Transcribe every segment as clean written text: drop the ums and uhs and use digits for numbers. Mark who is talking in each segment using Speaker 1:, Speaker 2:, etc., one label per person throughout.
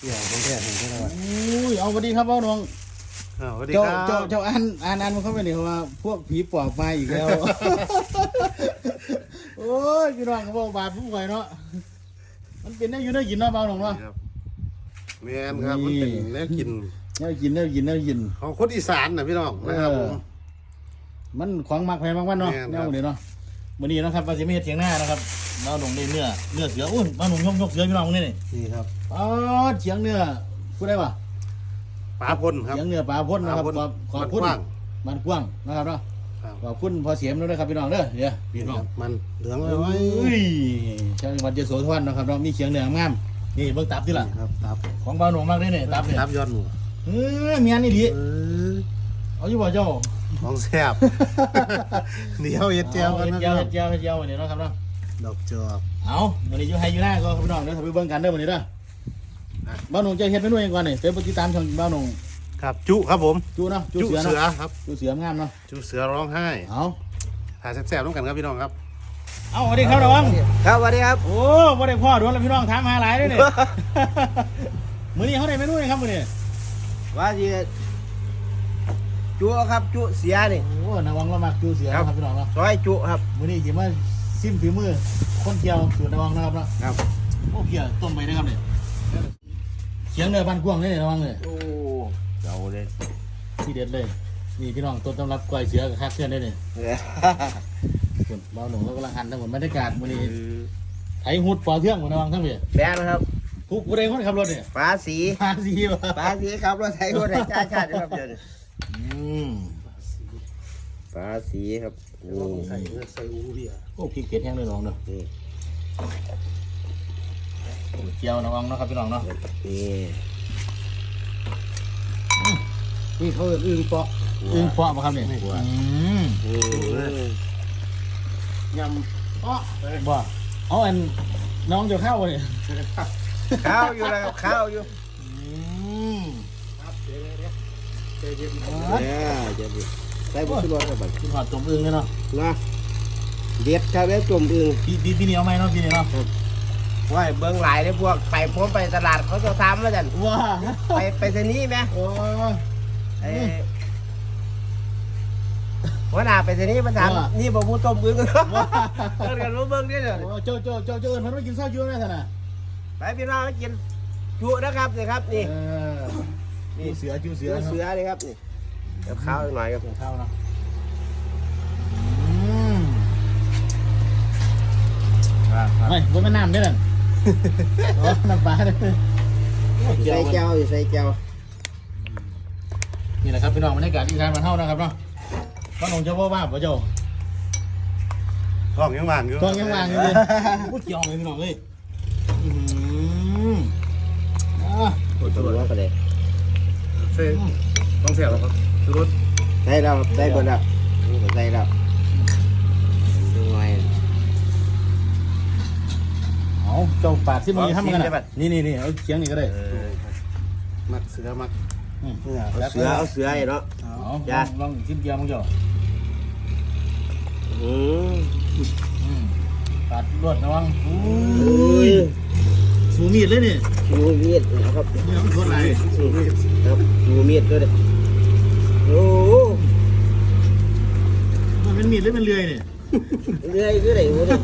Speaker 1: เดี๋ยวผมแค่เห็นแค่นั้น
Speaker 2: อุ้ยเอาสวัสดีครับพ่อน้อง
Speaker 1: สวัสดี
Speaker 2: เจ้า
Speaker 1: ครับ
Speaker 2: เจ้าอ่านมันเข้าไปนี่ว่าพวกผีปอบมาอีกแล้ว โอ้ยพี่น้องเขาบอกบาปผู้ป่วยเนาะมันเป็นได้อยู่ได้กินเนาะเบาหน่องเนาะ
Speaker 1: แมนครับมันเป็นแนวกิน
Speaker 2: ได้กิน
Speaker 1: ของคนอีสานนะพี่น้องนะครับผม
Speaker 2: มันของมักแพงมากๆเนาะ
Speaker 1: แม่น
Speaker 2: แน
Speaker 1: ครับ
Speaker 2: วนี้เนาะวันนี้นะครับว่าสิไม่เฮ็ดเถียงหน้านะครับเบาหน่องได้เนื้อเสืออุ้ยเบาหน่องยกเสือพี่น้องนี่นี่
Speaker 1: นี่ครับ
Speaker 2: อ๋อเถียงเนื้อพูดได้ป่ะ
Speaker 1: ปลาพลครับ
Speaker 2: เถียงเนื้อปลาพ่นนะครับ
Speaker 1: ปลาพ่น
Speaker 2: ขอบคุณ
Speaker 1: มันกว้าง
Speaker 2: มันกว้างนะครับเนาะ
Speaker 1: ครับ
Speaker 2: ขอบคุณพอเสียมด้วยนะครับพี่น้องเด้อเดี๋ยวพี่น้อง
Speaker 1: มันเหลือง
Speaker 2: เอ
Speaker 1: เลยไว้
Speaker 2: ้ยจังหวัดยโสธรนะครับเรามีเขียงเหนืองามนี่เบิ่งตับที่ละ
Speaker 1: ครับตับ
Speaker 2: ของบ้านหลวงมากเลยเนี่ยตับเนี่ย
Speaker 1: ตับยอดหมู
Speaker 2: เมียนนี่ดี
Speaker 1: เออ
Speaker 2: เอาอยู่บ่เจ้า
Speaker 1: ของแซ่บ เดี๋ยวเอ็ดเจียวกันนะ
Speaker 2: เจียวเนี่ยเนาะครับเนาะ
Speaker 1: ดอกจอก
Speaker 2: เอาวันนี้อยู่ไฮอยู่หน้าก็พี่น้องเด้อถ้าไปเบิ่งกันเด้อวันนี้เด้อบ้านหลวงจะเฮ็ดเมนูเองก่อนนี่เป็นปฏิตามช่องบ้านหลวง
Speaker 1: ครับจุครับผม
Speaker 2: จูเนาะจู
Speaker 1: จุ
Speaker 2: เสือ
Speaker 1: เสือ
Speaker 2: เนาะ
Speaker 1: ครับ
Speaker 2: จูเสืองามเนาะ
Speaker 1: จุเสือร้องไห้
Speaker 2: เอา
Speaker 1: ถ่ายแซ่บๆต้องกันครับพี่น้องครับ
Speaker 2: เอาสวัสดีครับระวัง
Speaker 3: ครับสวัสดีครับ
Speaker 2: โอ้บ่ได้พ่อโดนแล้วพี่น้องถามหาหลายเด้อนี่ มื้อนี้เขาได้เมนูยังครับมื้อนี้
Speaker 3: ว่าจีจุครับจุเสียนี่
Speaker 2: โอ้ระวังเรามักจูเสือนะครับพี่น้องเนาะ
Speaker 3: ซอยจุครับ
Speaker 2: มื้อนี้สิมาซิมฝีมือคนเกี่ยวสูตรระวังนะครับเนาะ
Speaker 3: ครับ
Speaker 2: โอ้เกี่ยวต้มไปได้ครับเนี่ยเขียงเนื้อบ้านกว้างเลยระวังเลย
Speaker 3: โอ้เจ้าเลย
Speaker 2: ที่เด็ดเลยนี่พี่น้องต้นตำรับก้อยเสือกับคักเพื่อนได้เนี่ยส่วนเบาหนุ่มแล้วกำลังหั่นทั้งหมดบรรยากาศมื้อนี้ไถหุดปอเทื่องหมดระวังทั้งเบี้ย
Speaker 3: แบนนะครับ
Speaker 2: ผู้ใดคนขับรถเนี่ย
Speaker 3: ฟ้าสี
Speaker 2: ภาษีวะ
Speaker 3: ฟ้าสีครับรถไถคนไถชาติชาติครับเดี๋ยวนี้
Speaker 2: ม
Speaker 3: ฟ้าสีครับนี่
Speaker 1: ใส่อูเบีย
Speaker 2: โอ้พริกเผ็ดแห้งเลยน้องเนาะ
Speaker 3: นี่
Speaker 2: เจียวระวังเนาะครับพี่น้องเนาะ
Speaker 3: นี่
Speaker 1: นี่เขาอึ่งเปาะ
Speaker 2: อึ้งเปาะป่ะครับเนี่ย
Speaker 3: นี่
Speaker 1: ยำเปาะ
Speaker 2: บ่เอาอันน้องจะเข้าเนี่ย
Speaker 3: ข้าวอยู่แล้วครับข้าวอยู่
Speaker 1: ครับเดี๋ยว
Speaker 3: เนี่ยจะดิใส่บุตรรอดครับบัด
Speaker 2: กินหอดต้มอึ้งเลยเนาะ
Speaker 3: นะเด็ดครับแล้วจุ่มอึ่ง
Speaker 2: พี่นี่เอาไหมเนาะพี่นี่เนาะ
Speaker 3: ว่าเบิ้งหลายเลยพวกไปผมไปตลาดเขาจะทำแล้วจัน
Speaker 2: ว้า
Speaker 3: ไปสนีไหม
Speaker 2: โอ้
Speaker 3: ไอ้หัวหน้าไปทีนี้มันถามนี่บอกผู้ต้มมือกันกันรู้เบิ้งนี่เลย
Speaker 2: เจ้าเอิญมันไม่กินข้าวเยอะแน่ท่านน่ะ
Speaker 3: ไปพี่น้องกินจุนะครับนี่ครับนี่
Speaker 2: นี่เสือจิ้วเสื
Speaker 3: เสื
Speaker 2: อ
Speaker 3: อเลยครับนี่เดี๋ยวข้าวหน่อยครับ
Speaker 2: ข้าวเนาะไม่บนแม่น้ำด้วยนั่นน้ำปลาเลย
Speaker 3: ใส่แก้วอยู่ใส่แก้ว
Speaker 2: นี่แหละครับพี่น้องบรรยากาศที่ทานมาเท่านะครับเนาะก็นงเจ้าว่าป่ะเจ้า
Speaker 1: ท้องยังว่างอยู่
Speaker 2: ตองยังวางอยู่เลยพูดเกี่ยวเลยพี่น้องเลย
Speaker 3: ตัวก็เลย
Speaker 1: เส้นต้องเสียบครับชูรส
Speaker 3: ใส่แล้วใส่หมดแล้วใส่แล้วดูไง
Speaker 2: เอาเจ้าปาดที่มือทำกันนะนี่เอาเคียงนี่ก็ได้
Speaker 1: มักเสือมัก
Speaker 3: เสือเนาะ
Speaker 2: ลองชิมเกียวมึงเจ้า ปาดรวดระวังสูมีดเลยนี่
Speaker 3: ชูมีดนะครับ
Speaker 2: นี่ต้องทนไหน
Speaker 3: ครับชูมีดก็ได้โอ้
Speaker 2: มันเป็นมีดหรือเป็นเลื่อยนี่
Speaker 3: เรื่อยก็ได้โอ้ย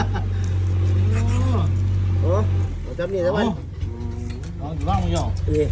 Speaker 3: โอ้ทำนี่สักวัน
Speaker 2: ลองอยู่บ้างมึงเจ้า
Speaker 3: นี่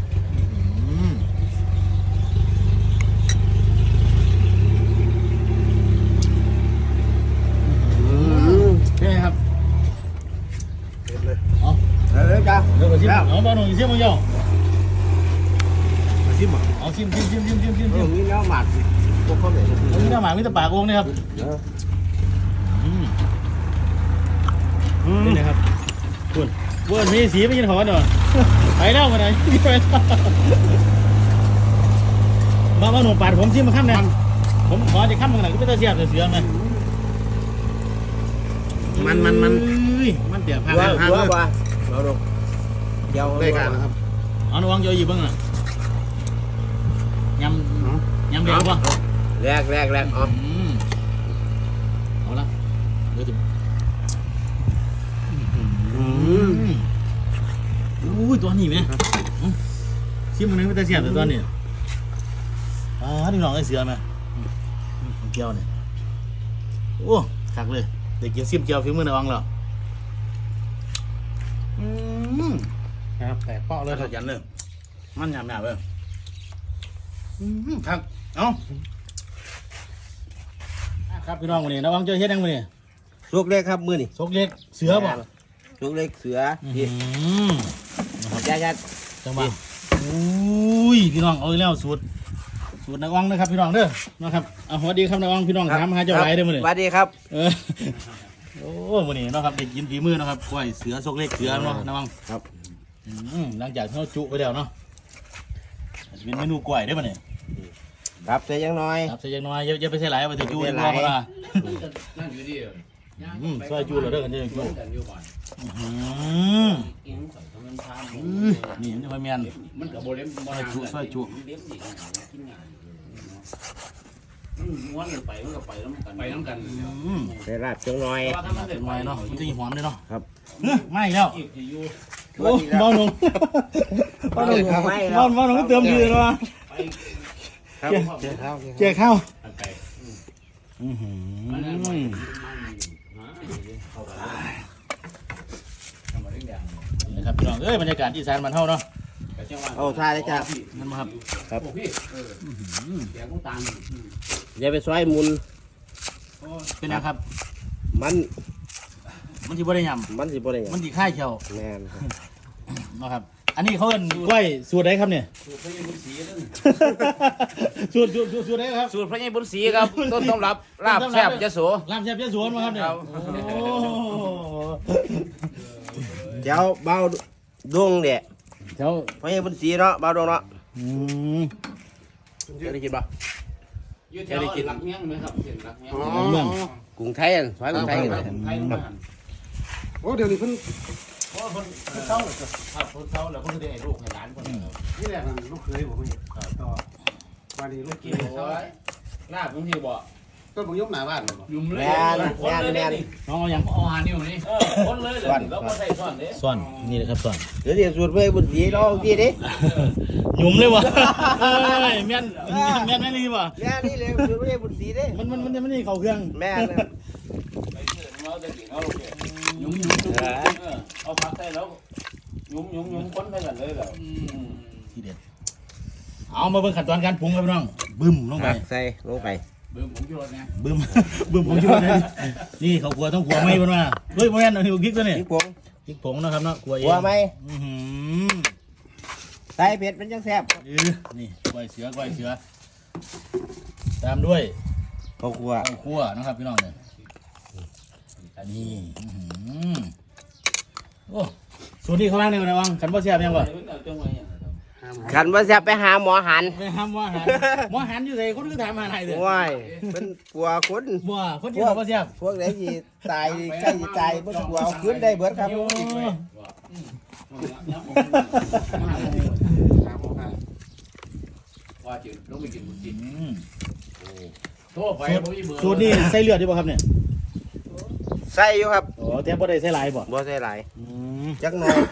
Speaker 2: ใช่ครับ
Speaker 1: เต็มเลย
Speaker 2: เอา
Speaker 3: เลยจ้า
Speaker 2: เดี๋ยวไปชิมเอาบ้านหนุ่มชิมมึงเจ้า
Speaker 1: มาชิมเหรอ
Speaker 2: เอาชิม
Speaker 3: มีน้ำหมักพวกเขาเลย
Speaker 2: อันนี้หน้าหมามีแต่ปากโอ่งนี่ครับนี่นะครับคุณเวิร์นมีสีไม่ยินหอนหรอไปแล้วมาไหนไปมาหนุ่มปาดผมชิมมาข้ามเนี่ยผมขอจะข้ามมึงหน่อยก็ไม่ต้องเสียบเสือไหมมันเดี๋ยวพา
Speaker 3: ว่าเราดูเดี๋ยว
Speaker 1: ได้การนะครับ
Speaker 2: เอาหนูวางเยอะอยู่บ้างอ่ะยำเดียวป่ะ
Speaker 3: แรกอ๋อ
Speaker 2: เอาละเดี๋ยวจะอุ้ยตัวนี้ไหมชิมมันนึงไม่ได้เสียบแต่ตัวนี้พี่น้องไอ้เสือไหมเกี๊ยวเนี่ยโอ้คักเลยเด็กกินซิมเกี๊ยวฝีมือในวังเหรอ
Speaker 1: ครับแต่เปาะเล
Speaker 2: เลย ยขยันเลยมันหยาบๆเลยครับเอาครับพี่น้องวันนี้นะวังเจอเฮ็ดยังวันนี้
Speaker 3: ลูกเล็กครับมือนี่
Speaker 2: ซกเล็กเสือบ่
Speaker 3: ลูกเล็กเสือ
Speaker 2: นะครับ
Speaker 3: ยัด
Speaker 2: จังหวะอุ้ยพี่น้องเอาอีกแล้วสูตรนักวังนะครับพี่น้องเด้อนะครับสวัสดีครับนักวังพี่น้องถามหาเจ้าไรเด้อมื้อนี้
Speaker 3: สวัสดีครับ
Speaker 2: โอ้มื้อนี้เนาะครับเด็กกินฝีมือนะครับกล้วยเสือซกเล็กเสือเนาะนักวัง
Speaker 3: ครับ
Speaker 2: หลังจากที่เราจุไปแล้วเนาะจะเป็นเมนูกล้วยได้ป่ะเนี่ย
Speaker 3: ครับใส่ยังน้อย
Speaker 2: ครับใส่ยังน้อยอย่าไปใส่หลายไปถึงจุดีกว่าเพราะว่าซอยจุเราเด้อกันเด้อจุนี่มันจะค่อยแมนมันกับโบเล็มซอยจุซอยจุม้วนไปมันก็ไปน้ำกัน
Speaker 3: ใส่ลาบจังน้อย
Speaker 2: เป็นไงเนาะมันจะหอมเลยเนาะ
Speaker 3: ครับ
Speaker 2: ไม่แล้วโอ้เบาหนุ่มเบาหนุ่มเติมดีเลยว่ะ
Speaker 3: ครับ
Speaker 2: เจ๊ข้าวนะครับพี่น้องเอ้ยบรรยากาศอีสานมันเท่าเนาะ
Speaker 3: เอาทายเลยจ้ะ
Speaker 2: นั่นมาครับ
Speaker 3: ครับอย่าไปซอยมุน
Speaker 2: เป็นไงครับ
Speaker 3: มัน
Speaker 2: มันที่บ่ได้ย
Speaker 3: มันสิบ่ได้หยั
Speaker 2: ำ
Speaker 3: ง
Speaker 2: มันที่ค่ายเชียว
Speaker 3: แม่นครับ
Speaker 2: นะครับอันนี้เขาเป็นกล้วยสูตรไหนครับเนี่ยสูตรไหนครับ
Speaker 4: สูตรพระยายบุญศรีครับ ต้นตำรับลาบแซ่บยโส
Speaker 2: ลาบแซ่บยะโสมาครับเนี่ยโอ้
Speaker 3: เดี๋ยวเบาดวงเด็ด
Speaker 2: เจ้า
Speaker 3: เพราะยังบนสีเนาะเบาดวงเนาะ
Speaker 4: เคยได้กินปะ
Speaker 5: อยู่แถวหลักเมียงไหมครับเห็นหลักเมียง
Speaker 2: เมือง
Speaker 3: กรุงไทยอันซอยกรุงไทยกัน
Speaker 5: ไทยมา
Speaker 1: โอ้เดี๋ยวนี้เพิ่น
Speaker 5: เพราะคนเศร้าเลยครับคนเศร้าแล้วคนได้ให้ลูกให้หลานคน
Speaker 1: นี่แหละมันลูกเคยผมต่อวันนี้ลูก
Speaker 5: กิ
Speaker 1: กิ
Speaker 5: น
Speaker 1: น
Speaker 5: โอ้ยลาบบางทีบ่
Speaker 1: ต้นผมยกหน้าบ้านเลยบ่
Speaker 5: ยุ่มเลย
Speaker 3: แม่นแม่นแม่น
Speaker 2: น้องเอาอย่าง
Speaker 5: เอาหานิ้วนี่คนเลยเลยแล้วก็ใส่ซ่อนเด้
Speaker 2: ส่วนนี่เลยครับส่วน
Speaker 3: เดี๋ยวสูตรเพชรบุญศรีเราที่ดิ
Speaker 2: หยุ่มเลยวะแม่นแม่นี่วะ
Speaker 3: แม่นี่เลยสูตรเพชรบุญศรีเด้
Speaker 2: มันนี่เขาเครื่อง
Speaker 3: แม่น
Speaker 5: เราจะกินเอาโอเคยุ่มเอาผักใส่แล้วยุ่มคนไปกันเลยแล้ว
Speaker 2: ทีเด็ดเอามาเบิ่งขั้นตอนการปรุงครับพี่น้องบึ้มลงไป
Speaker 3: ใส่ลงไป
Speaker 5: เบิ่มผมอยู่รถไง
Speaker 2: บึ้มผมช่วยนะนี่เขาขัวต้องขัวไม่บนว่าเฮ้ยโมแมนเอาพริกตัวนี้
Speaker 3: พริกผง
Speaker 2: พริกผงนะครับเนาะขัวเอง
Speaker 3: หัวไหม
Speaker 2: อื้อหือ
Speaker 3: ใส่เผ็ดมันจังแซ่บ
Speaker 2: นี่กล้วยเสือตามด้วย
Speaker 3: ข้าวคั่ว
Speaker 2: ข้าวคั่วนะครับพี่น้องเนี่ยนี่อื้อหือโอ้สูตรนี้เขาล้างในวันไหนวังขันบ่เสียบยังบ่
Speaker 3: ขันว่าแซ่บไปหาหมอหัน
Speaker 2: ไปหาหมอหันหมอหันอยู่ไหนคนก็ถามหาไหนเลย
Speaker 3: ว้ายเป็นกลัวคน
Speaker 2: บ่คนที่บ่เสียบ
Speaker 3: พวกไหนที่ตายใกล้จะตายบ่กลัวเอาคืนได้เบิดครับ
Speaker 2: โอ้
Speaker 5: ว่าจืดลงไปกินบุญจิน
Speaker 2: อืม
Speaker 5: โทษไปผมอีเบอร์
Speaker 2: สูตรนี้ใส่เลือดดีป่ะครับเนี่ย
Speaker 3: ใส่อยู่ครับ
Speaker 2: อ๋อแต่บ่ได้ใส่หลายบ่
Speaker 3: บ่ใส่หลาย
Speaker 2: อืม
Speaker 3: จักหน่อย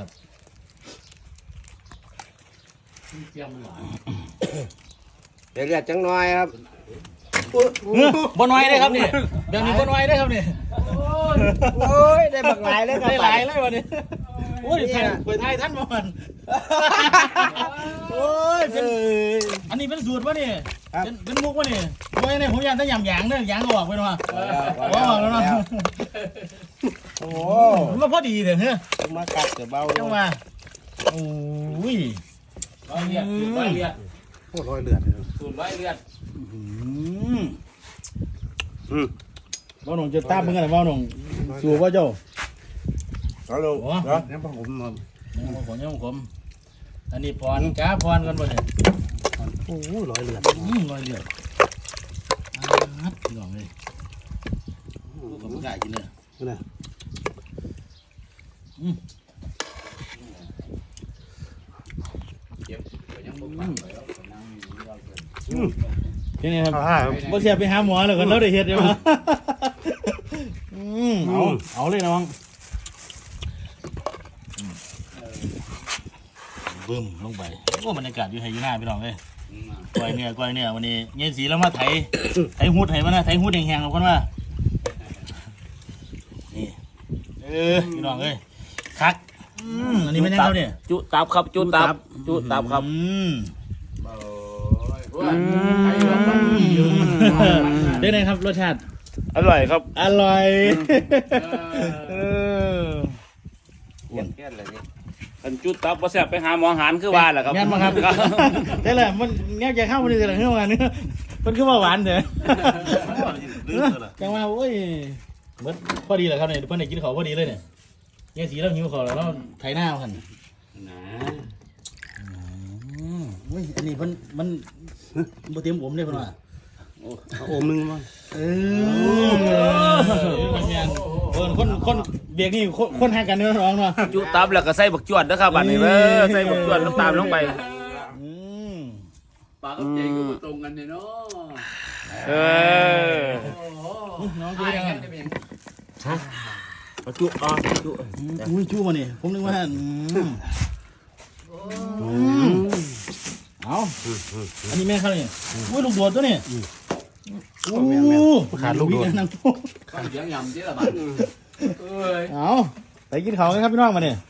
Speaker 5: เจียมหวาน
Speaker 3: เดี๋ยวเลือดจังหน่อยครับ
Speaker 2: บ่น้อยได้ครับนี่แบบนี้บ่น้อยได้ครับนี่
Speaker 3: โอ้ยได้บักหลายเลยครับ
Speaker 2: ได้หลายเลยวันนี้โอ้ยไทยเปิดไทยท่านมาวันโอ้ยเป็นอันนี้เป็นสูตรวะนี่เป็นมุกวะนี่โอ้ยเนี่ยผมอยากได้ยำหยางเนี่ยหยางก็ออกไปเนาะออกแล้วเนาะ
Speaker 3: โอ้
Speaker 2: มันก็พอดีเถอะเฮ้ย
Speaker 3: มากัดเดี๋ยวเบาล
Speaker 2: จั
Speaker 3: ง
Speaker 2: งว่าโอ้ย
Speaker 5: ร้อยเลียดร้อยเลียด
Speaker 1: โคตรร้อยเลือด
Speaker 5: สูตรร้อยเลียด
Speaker 2: ว่าหนุ่มจะตามมึงกันว่าหนุ่มสู่ว่าเจ้า
Speaker 3: เอาลง
Speaker 2: โอ้
Speaker 3: เนาะ
Speaker 1: เนี่ยผม
Speaker 2: ผมอันนี้พรก้าพรกันบ่เนี่ย
Speaker 1: โอ้ร้อยเลือด
Speaker 2: ลอยเลือดลองเลยผมกล้ากินเลย
Speaker 1: นะ
Speaker 5: เจ็บยังบุกปังไปแล้วนั่งอยู่เราเกิน
Speaker 2: เป็นไงครับบ่เสียไปหาหมอแล้วกันแล้วได้เฮ็ดได้บ่เอาเลยน้องบึ้มลงไปโอ้บรรยากาศอยู่ไทยอยู่หน้าพี่น้องเลยก้อยเนื้อวันนี้เย็นสีแล้วมาไถหุดไถมันนะไถหุดแห้งๆเราคนว่านี่พี่น้องเอ้ยคักอันนี้ไม่แน่เขาเนี่ย
Speaker 4: จุตับครับจุตับครับ
Speaker 2: ได้ไงครับรสชาติ
Speaker 4: อร่อยครับ
Speaker 2: อร่อย
Speaker 3: แค่อะไรนี่
Speaker 5: อันจุดตับบ่แซ่บไปหาหมอหารคือว่าแหละครับ
Speaker 2: งั้นมาครับได้เลยมันแง่จะเข้ามาดีเลยเรื่องมันมันคือว่าหวานเถอะจังว่าโอ้ยมันพอดีเลยครับเนี่ยเพื่อนได้กินเขาพอดีเลยเนี่ยเนี่ยสีเราหิวเขาแล้วไถหน้าเขาหันอุ้ยอันนี้มันบ่เตรียมผมเลยเพื่อนว่า
Speaker 1: โอมนึงมั้ง
Speaker 2: คนเบียกนี่คนห่างกันเนื้อร้องเนาะ
Speaker 4: จุตับแล้วก็ใส่บักจวดนะครับบัดนี้ใส่บักจวดน้ำตาลลงไป
Speaker 5: ปากกับใจก็บ่ตรงกันเนี่ยเนาะ
Speaker 2: น้องดูยังไง
Speaker 3: จุจุ
Speaker 2: อุ้ยจู้มาเนี่ยผมนึกว่าเอาอันนี้แม่เขาเนี่ยอุ้ยลูกโดดตัวเนี่ยขาดลูกโดดนั่ง
Speaker 5: ข้าวเสียงยำเจ๊ละบาดเอ้ย
Speaker 2: เอาไปกินเขากันครับพี่น้องมาเนี่ย